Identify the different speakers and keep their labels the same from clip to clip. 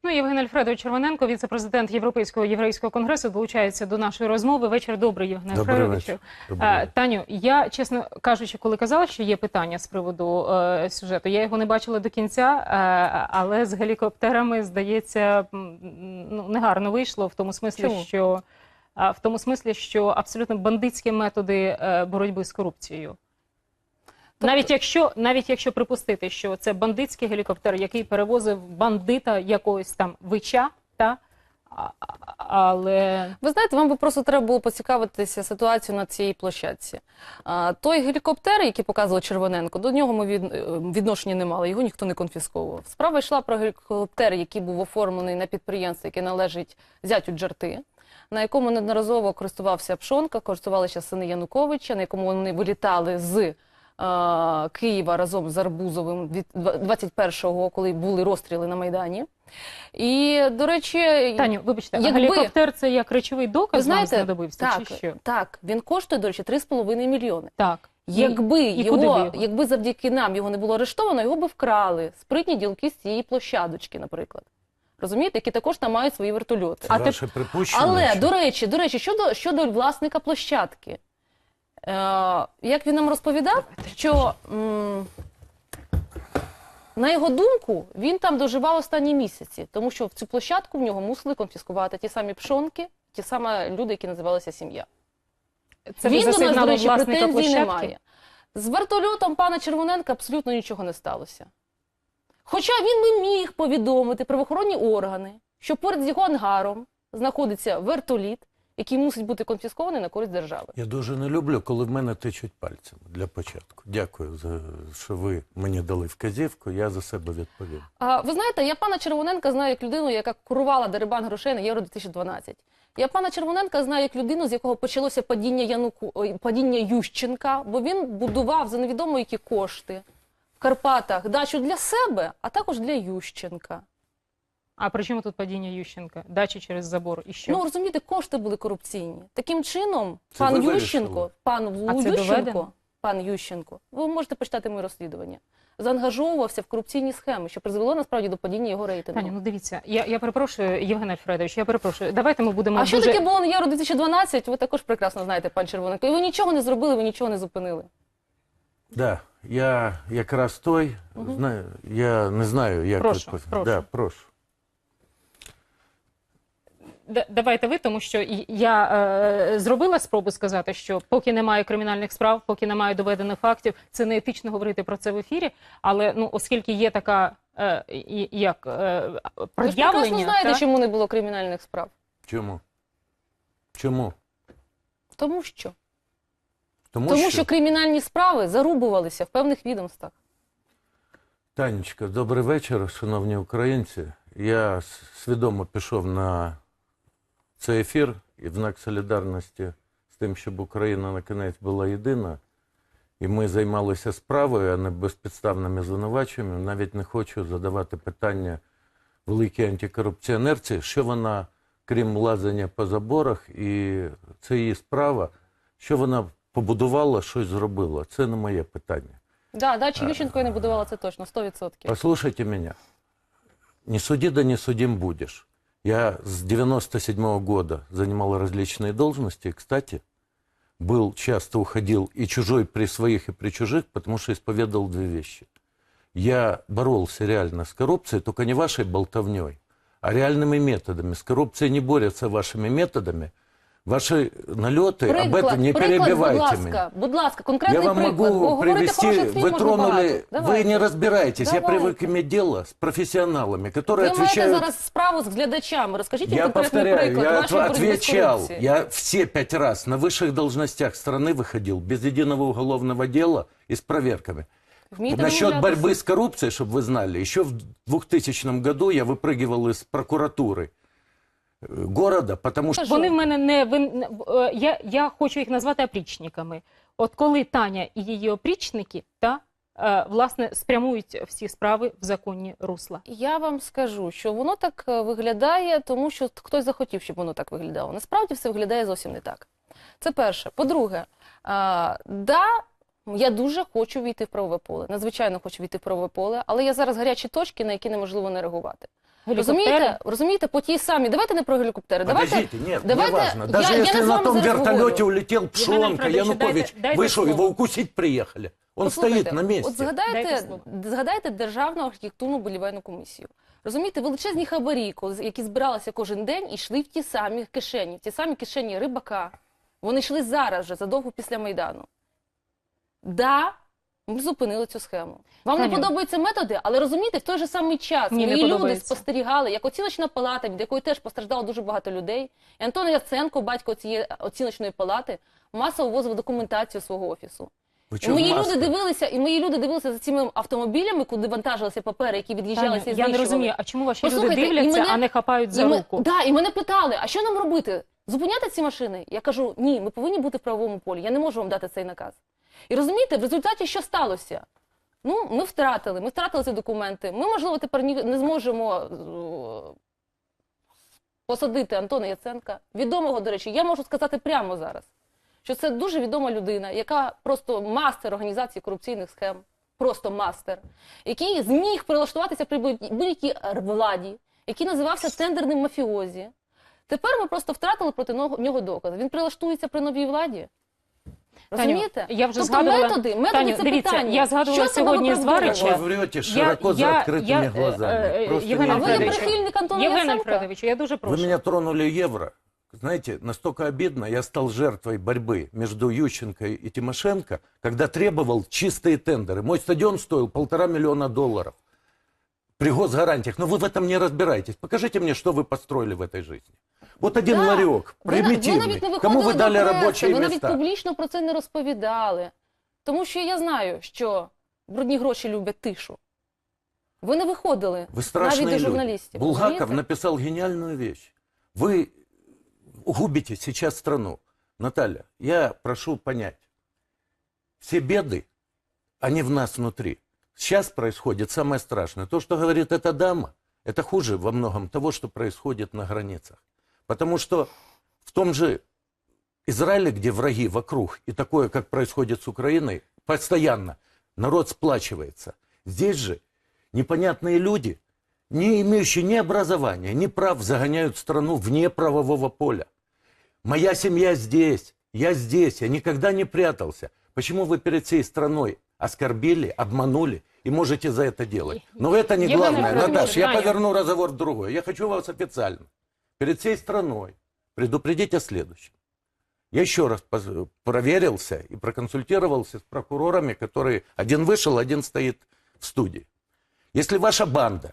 Speaker 1: Ну, Євген Альфредович Червоненко, віце-президент Європейського єврейського конгресу, долучається до нашої розмови. Вечір добрий, Євген Альфредовичу. Таню, я, чесно кажучи, коли казала, що є питання з приводу сюжету, я його не бачила до кінця, але з гелікоптерами, здається, негарно вийшло в тому смислі, що абсолютно бандитські методи боротьби з корупцією. Навіть якщо припустити, що це бандитський гелікоптер, який перевозив бандита якогось там вича, але...
Speaker 2: Ви знаєте, вам би просто треба було поцікавитися ситуацією на цій площадці. Той гелікоптер, який показував Червоненко, до нього ми відношення не мали, його ніхто не конфісковував. Справа йшла про гелікоптер, який був оформлений на підприємство, яке належить зятю Джарти, на якому неодноразово користувався Пшонка, користувалися сини Януковича, на якому вони вилітали з Києва разом з Арбузовим 21-го, коли були розстріли на Майдані. І, до речі...
Speaker 1: Таню, вибачте, гелікоптер – це як речовий доказ вам знадобився,
Speaker 2: так,
Speaker 1: чи що?
Speaker 2: Так, він коштує, до речі, 3,5 мільйони.
Speaker 1: Так.
Speaker 2: Якби завдяки нам його не було арештовано, його би вкрали спритні ділки з цієї площадочки, наприклад. Розумієте, які також там мають свої вертольоти.
Speaker 3: Ваше припущення.
Speaker 2: Але, до речі, щодо власника площадки. Як він нам розповідав, що, на його думку, він там доживав останні місяці, тому що в цю площадку в нього мусили конфіскувати ті самі Пшонки, ті самі люди, які називалися «Сім'я». Він до нас, до речі, претензій немає. З вертольотом пана Червоненка абсолютно нічого не сталося. Хоча він би міг повідомити правоохоронні органи, що поряд з його ангаром знаходиться вертоліт, який мусить бути конфіскований на користь держави.
Speaker 3: Я дуже не люблю, коли в мене тичуть пальцем для початку. Дякую, що ви мені дали вказівку, я за себе відповім.
Speaker 2: Ви знаєте, я пана Червоненка знаю як людину, яка курувала дерибан грошей на Євро-2012. Я пана Червоненка знаю як людину, з якого почалося падіння Ющенка, бо він будував за невідомо які кошти в Карпатах дачу для себе, а також для Ющенка.
Speaker 1: А при чому тут падіння Ющенка? Дачі через забор і що?
Speaker 2: Ну, розумієте, кошти були корупційні. Таким чином, пан Ющенко, ви можете почитати моє розслідування, заангажовувався в корупційні схеми, що призвело насправді до падіння його рейтингу.
Speaker 1: Таню, ну дивіться, я перепрошую, Євген Альфредович, я перепрошую, давайте ми будемо
Speaker 2: що таке було на Євро-2012, ви також прекрасно знаєте, пан Червоненко. І ви нічого не зробили, ви нічого не зупинили.
Speaker 3: Так, я якраз той, я не знаю, як...
Speaker 1: Прошу.
Speaker 3: Да, прошу.
Speaker 1: Давайте ви, тому що я зробила спробу сказати, що поки немає кримінальних справ, поки немає доведених фактів, це не етично говорити про це в ефірі, але оскільки є така, пред'явлення...
Speaker 2: Ви ж прекрасно знаєте, чому не було кримінальних справ.
Speaker 3: Чому? Чому?
Speaker 2: Тому що кримінальні справи зарубувалися в певних відомствах.
Speaker 3: Танечка, добрий вечір, шановні українці. Я свідомо пішов на цей ефір і в знак солідарності з тим, щоб Україна накінець була єдина, і ми займалися справою, а не безпідставними звинуваченнями. Навіть не хочу задавати питання великій антикорупціонерці, що вона, крім лазання по заборах, і це її справа, що вона побудувала, щось зробила. Це не моє питання.
Speaker 2: Да, дачі Ющенко не будувала, це точно, 100%.
Speaker 3: Послушайте меня. Не суди, да не судим будешь. Я с 97-го года занимал различные должности. Кстати, часто уходил и чужой при своих, и при чужих, потому что исповедовал две вещи. Я боролся реально с коррупцией, только не вашей болтовней, а реальными методами. С коррупцией не борются вашими методами. Ваши налеты, об этом не перебивайте меня.
Speaker 2: Будь ласка, конкретний
Speaker 3: приклад. Я вам могу привести, вы тронули, вы не разбираетесь.
Speaker 2: Давайте.
Speaker 3: Я привык иметь дело с профессионалами, которые отвечают...
Speaker 2: Ви маєте зараз справу з глядачами, розкажіть їм
Speaker 3: Я
Speaker 2: конкретний
Speaker 3: повторяю,
Speaker 2: приклад
Speaker 3: я
Speaker 2: вашої боротьби з корупцією.
Speaker 3: я все 5 раз на высших должностях страны выходил без единого уголовного дела и с проверками. Насчет борьбы с коррупцией, чтобы вы знали, еще в 2000 году я выпрыгивал из прокуратуры города, потому що...
Speaker 1: Вони в мене не... Я хочу їх назвати опричниками. От коли Таня і її опричники, власне, спрямують всі справи в законні русла.
Speaker 2: Я вам скажу, що воно так виглядає, тому що хтось захотів, щоб воно так виглядало. Насправді все виглядає зовсім не так. Це перше. По-друге, я дуже хочу війти в правове поле. Надзвичайно хочу війти в правове поле, але є зараз гарячі точки, на які неможливо не реагувати. Розумієте, по тій самій, давайте не про гелікоптери,
Speaker 3: Подождите, нет, не важно. Даже если на том вертолете улетел Пшонка, Янукович, вы что, его укусить приехали? Он стоит на месте.
Speaker 2: От згадайте Державну архітектурну будівельну комісію. Розумієте, величезні хабарі, які збиралися кожен день, йшли в ті самі кишені Рибака. Вони йшли зараз же, задовго після Майдану. Да, ми зупинили цю схему. Вам не подобаються методи, але розумієте, в той же самий час мої люди спостерігали, як оціночна палата, від якої теж постраждало дуже багато людей, і Антон Яценко, батько цієї оціночної палати, масово ввозив документацію свого офісу. І мої люди дивилися за цими автомобілями, куди вантажилися папери, які від'їжджалися і знищували.
Speaker 1: Я не розумію, а чому ваші люди дивляться, а не хапають за руку?
Speaker 2: Так, і мене питали, а що нам робити? Зупиняти ці машини? Я кажу, ні, ми повинні бути в правовому полі, я не можу вам дати цей наказ. І розумієте, в результаті що сталося? Ну, ми втратили ці документи. Ми, можливо, тепер не зможемо посадити Антона Яценка. Відомого, до речі, я можу сказати прямо зараз, що це дуже відома людина, яка просто мастер організації корупційних схем, просто мастер, який зміг прилаштуватися при будь-якій владі, який називався тендерним мафіозі. Тепер ми просто втратили проти нього докази. Він прилаштується при новій владі. Розумієте?
Speaker 1: Я вже
Speaker 2: тобто
Speaker 1: згадувала,
Speaker 2: методи це
Speaker 1: дивіться,
Speaker 2: питання.
Speaker 1: я згадувала сьогодні з Варича.
Speaker 3: Ви врете широко за відкритими глазами.
Speaker 1: Євген Альфредович, я дуже прошу.
Speaker 3: Вы меня тронули евро. Знаете, настолько обидно, я стал жертвой борьбы между Ющенко и Тимошенко, когда требовал чистые тендеры. Мой стадион стоил $1,5 миллиона при госгарантиях. Но вы в этом не разбираетесь. Покажите мне, что вы построили в этой жизни. Вот один ларек, примитивный. Кому вы дали рабочие места?
Speaker 2: Ви навіть публічно про це не розповідали. Тому що я знаю, що брудні гроші люблять тишу. Ви не виходили навіть до журналістів.
Speaker 3: Булгаков написал гениальную вещь. Вы губите сейчас страну. Наталья, я прошу понять. Все беды, они в нас внутри. Сейчас происходит самое страшное. То, что говорит эта дама, это хуже во многом того, что происходит на границах. Потому что в том же Израиле, где враги вокруг, и такое, как происходит с Украиной, постоянно народ сплачивается. Здесь же непонятные люди, не имеющие ни образования, ни прав, загоняют страну вне правового поля. Моя семья здесь, я никогда не прятался. Почему вы перед всей страной оскорбили, обманули и можете за это делать? Но это не главное. Наташа, я поверну разговор в другое. Я хочу вас официально перед всей страной предупредить о следующем. Я еще раз проверился и проконсультировался с прокурорами, которые один вышел, один стоит в студии. Если ваша банда,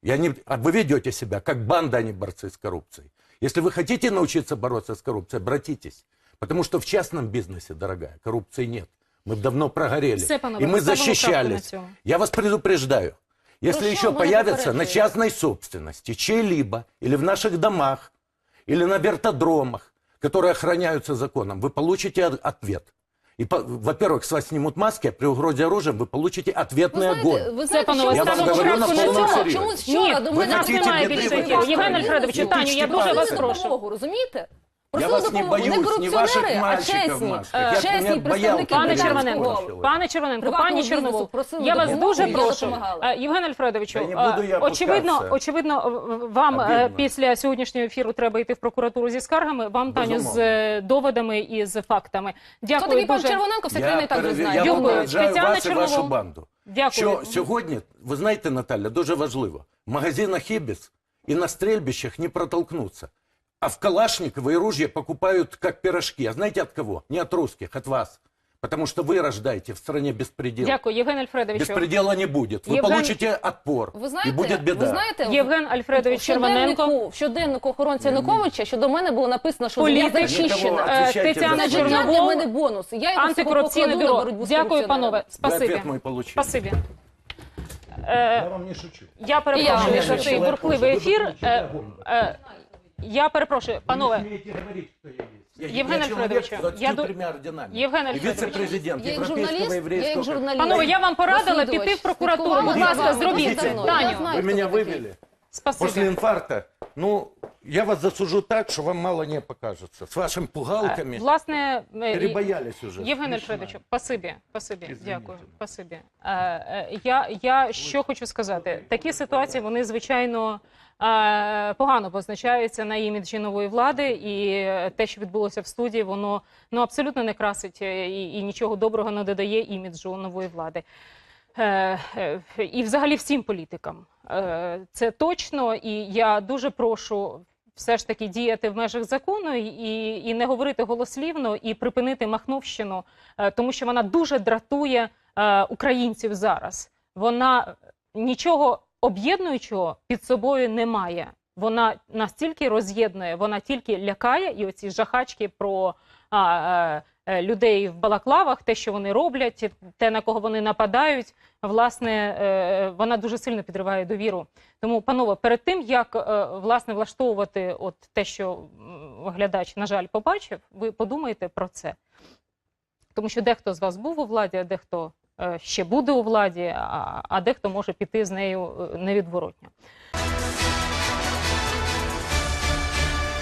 Speaker 3: вы ведете себя как банда, а не борцы с коррупцией. Если вы хотите научиться бороться с коррупцией, обратитесь. Потому что в частном бизнесе, дорогая, коррупции нет. Мы давно прогорели. И мы защищались. Я вас предупреждаю. Если еще появятся на частной собственности, чьей-либо, или в наших домах, или на вертодромах, которые охраняются законом, вы получите ответ. И, во-первых, с вас снимут маски, а при угрозе оружием вы получите ответный огонь. Я вам говорю на полном серьезе.
Speaker 1: Ні, нас немає більше ефіру. Євген Альфредович, Таню, я дуже вас прошу.
Speaker 2: Розумієте?
Speaker 3: Я вас не боюсь, не ваших мальчиков, Машка. Я боялся.
Speaker 1: Пане Червоненко, пані Чорновол, я вас дуже прошу. Євген Альфредовичу, очевидно, вам після сьогоднішнього ефіру треба йти в прокуратуру зі скаргами, вам, Таню, з доводами і з фактами. Дякую дуже.
Speaker 2: Пан Червоненко, вся країна і так вже знає.
Speaker 3: Я попереджаю вас і вашу
Speaker 1: Чорновол.
Speaker 3: банду.
Speaker 1: Дякую.
Speaker 3: Що сьогодні, ви знаєте, Наталя, дуже важливо, в магазинах «Ібіс» и на стрельбищах не протолкнуться. А в Калашниково и ружья покупают как пирожки. А знаете от кого? Не от русских, от вас. Потому что вы рождаете в стране беспредел.
Speaker 1: Дякую, Євген Альфредовичу.
Speaker 3: Беспредела не будет. Вы получите отпор. И будет беда.
Speaker 2: Ви знаєте,
Speaker 1: Євген Альфредович Червоненко.
Speaker 2: в щоденнику охоронця Януковича щодо мене було написано, що я
Speaker 1: Політик.
Speaker 2: зачищена.
Speaker 1: Тетяна
Speaker 2: Для
Speaker 1: Чорновол,
Speaker 2: мене бонус. Я його
Speaker 1: антикорупційне
Speaker 2: покладу на
Speaker 1: бюро.
Speaker 2: боротьбу з
Speaker 1: Дякую,
Speaker 2: корупціонерами.
Speaker 1: панове. Спасибі.
Speaker 3: ответ мой получили.
Speaker 1: Спасибі.
Speaker 3: Я вам не шучу.
Speaker 1: Я перепрошую за цей бурхливий ефір. Я перепрошую, панове. Євген Альфредовичу, Євген Альфредович.
Speaker 3: Віце-президент
Speaker 2: Я як
Speaker 3: Європейського єврейського.
Speaker 2: журналіст.
Speaker 1: Панове, я вам порадила піти в прокуратуру. Будь ласка, зробіть це.
Speaker 2: Я
Speaker 1: Таню,
Speaker 2: знаю,
Speaker 3: Вы меня
Speaker 2: хто такий.
Speaker 3: вывели.
Speaker 1: спасибі.
Speaker 3: После инфаркта Ну, я вас засужу так, что вам мало не покажется. С вашими пугалками
Speaker 1: Власне,
Speaker 3: перебоялись уже.
Speaker 1: Євген
Speaker 3: Смешно.
Speaker 1: Альфредович, спасибі,
Speaker 3: Извините.
Speaker 1: дякую, спасибі. Я що хочу сказати, такі ситуації, вони, звичайно, погано позначаються на іміджі нової влади, і те, що відбулося в студії, воно абсолютно не красить і нічого доброго не додає іміджу нової влади. І взагалі всім політикам. Це точно, і я дуже прошу все ж таки діяти в межах закону і не говорити голослівно, і припинити махновщину, тому що вона дуже дратує українців зараз. Вона нічого об'єднуючого під собою не має. Вона настільки роз'єднує, вона тільки лякає, і оці жахачки про людей в балаклавах, те, що вони роблять, те, на кого вони нападають, власне, вона дуже сильно підриває довіру. Тому, панове, перед тим, як, власне, влаштовувати от те, що глядач, на жаль, побачив, ви подумайте про це. Тому що дехто з вас був у владі, а дехто ще буде у владі, а дехто може піти з нею невідворотно.